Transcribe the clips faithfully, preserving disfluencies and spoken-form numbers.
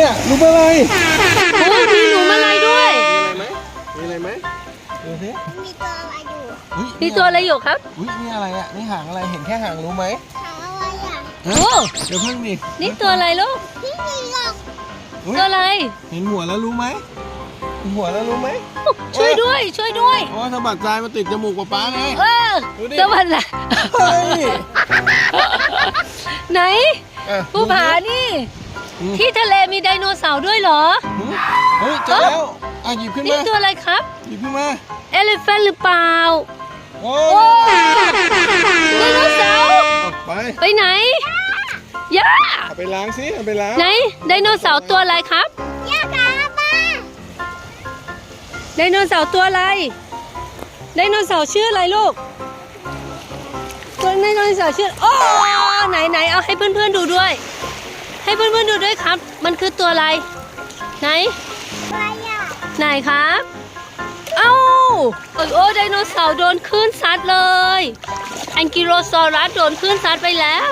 เนี่ยหนูอะไรโอ้มีหนูมาลายด้วยมีอะไรไหมมีอะไรไหมดูสิมีตัวอะไรอยู่มีตัวอะไรอยู่ครับอุ้ยนี่อะไรอ่ะนี่หางอะไรเห็นแค่หางรู้ไหมหางอะไรอ่ะโอ้เดี๋ยวเพิ่งดินี่ตัวอะไรลูกพี่มีหลอกตัวอะไรเห็นหัวแล้วรู้ไหมเห็นหัวแล้วรู้ไหมช่วยด้วยช่วยด้วยโอ้สะบัดทรายมาติดจมูกป๊าป๊าไงเออสะบัดแหละไหนภูผานี่ที่ทะเลมีไดโนเสาร์ด้วยเหรอเฮ้ยเจอแล้วอ่ะหยิบขึ้นมานี่ตัวอะไรครับหยิบขึ้นมาเอลิเฟนหรือเปล่าโอ้ไดโนเสาร์ไปไปไหนย่าเอาไปล้างสิเอาไปล้างไหนไดโนเสาร์ตัวอะไรครับย่าครับป้าไดโนเสาร์ตัวอะไรไดโนเสาร์ชื่ออะไรลูกตัวไดโนเสาร์ชื่อโอ้ไหนไหนเอาให้เพื่อนๆดูด้วยให้เพื่อนๆดูด้วยครับมันคือตัวอะไรไหนอะไรอ่ะไหนครับเอ้าโอ้ไดโนเสาร์โดนคลื่นซัดเลยแองกิโลซอรัสโดนคลื่นซัดไปแล้ว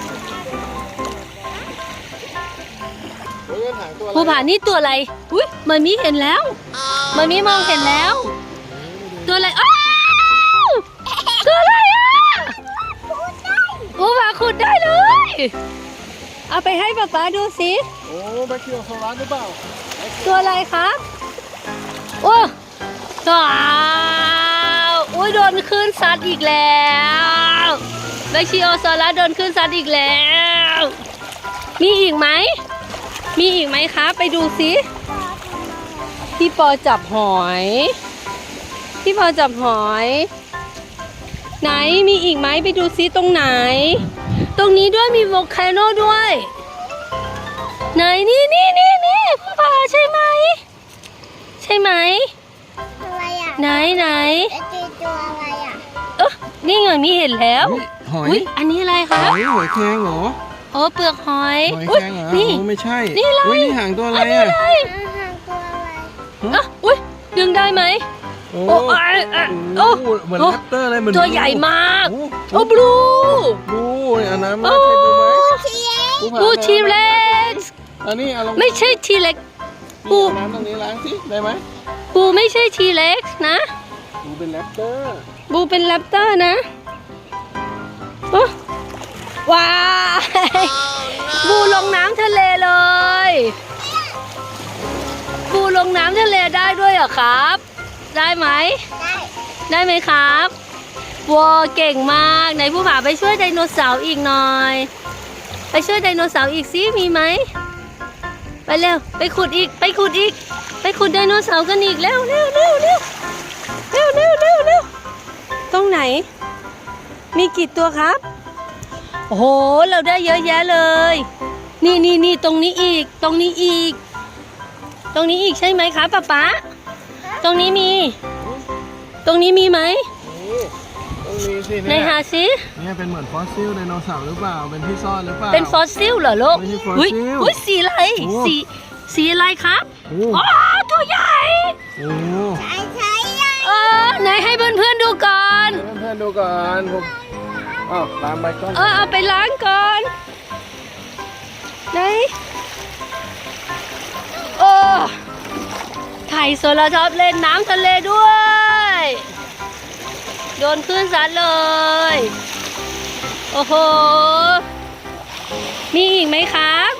ภูผานี่ตัวอะไรอุ้ยมันมีเห็นแล้วมันมีมองเห็นแล้วตัวอะไรอ้าวตัวอะไรอ่ะภูผาขุดได้เลยเอาไปให้ป๊าป๊าดูสิโอ้แบคทีเรียโซลัสหรือเปล่าตัวอะไรครับโอ้ว้าวอุ้ยโดนคลื่นซัดอีกแล้วแบคทีโอซอรัสโดนคลื่นซัดอีกแล้วมีอีกไหมมีอีกไหมครับไปดูสิพี่ปอจับหอยพี่ปอจับหอยไหนมีอีกไหมไปดูซิตรงไหนตรงนี้ด้วยมีโวลคาโนด้วยไหนนี่นี่นี่นี่พ่อพาใช่ไหมใช่ไหมอะไรอ่ะไหนไหนจะเจอตัวอะไรอ่ะเออนี่ไงมีเห็นแล้วหอยอันนี้อะไรคะหอยหอยแครงเหรอโอ้เปลือกหอยหอยแครงเหรอนี่ไม่ใช่นี่อะไรนี่หางตัวอะไรอ่ะหางตัวอะไรอ่ะอุ้ยดึงได้ไหมโอ้โอ้เหมือนแรปเตอร์อะไรเหมือนตัวใหญ่มากโอ้บลูบลูอันนั้นไม่ใช่บลูไหมบลูทีเล็กอันนี้เอาลงไม่ใช่ทีเล็กบลูน้ำตรงนี้ล้างสิได้ไหมบลูไม่ใช่ทีเล็กนะบลูเป็นแรปเตอร์บลูเป็นแรปเตอร์นะว้าวบลูลงน้ำทะเลเลยบลูลงน้ำทะเลได้ด้วยเหรอครับได้ไหมได้ได้ไหมครับว้าวเก่งมากไหนผู้ผาไปช่วยไดโนเสาร์อีกหน่อยไปช่วยไดโนเสาร์อีกสิมีไหมไปเร็วไปขุดอีกไปขุดอีกไปขุดไดโนเสาร์กันอีกเร็วเร็วเร็วเร็วเร็วเร็วเร็วเร็วตรงไหนมีกี่ตัวครับโอ้โหเราได้เยอะแยะเลยนี่นี่นี่ตรงนี้อีกตรงนี้อีกตรงนี้อีกใช่ไหมครับป๊าป๊าตรงนี้มีตรงนี้มีไหมต้องมีสิในหาซิเนี่ยเป็นเหมือนฟอสซิลไดโนเสาร์หรือเปล่าเป็นที่ซ่อนหรือเปล่าเป็นฟอสซิลเหรอลูกอุ้ยอุ้ยสีอะไรสีสีอะไรครับอ๋อตัวใหญ่โอ้ใช่ใช่ใหญ่เออไหนให้เพื่อนเพื่อนดูก่อนเพื่อนๆดูก่อนผมอ้าวล้างไปก่อนเออเอาไปล้างก่อนไหนโอ้ไข่โซลาชอบเล่นน้ำทะเลด้วยโดนคลื่นซัดเลยโอ้โหมีอีกไหมครับ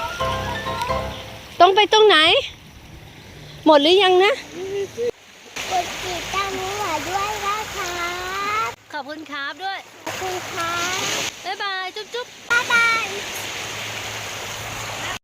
ต้องไปตรงไหนหมดหรือยังนะกดติดตามหนูด้วยนะครับขอบคุณครับด้วยขอบคุณครับ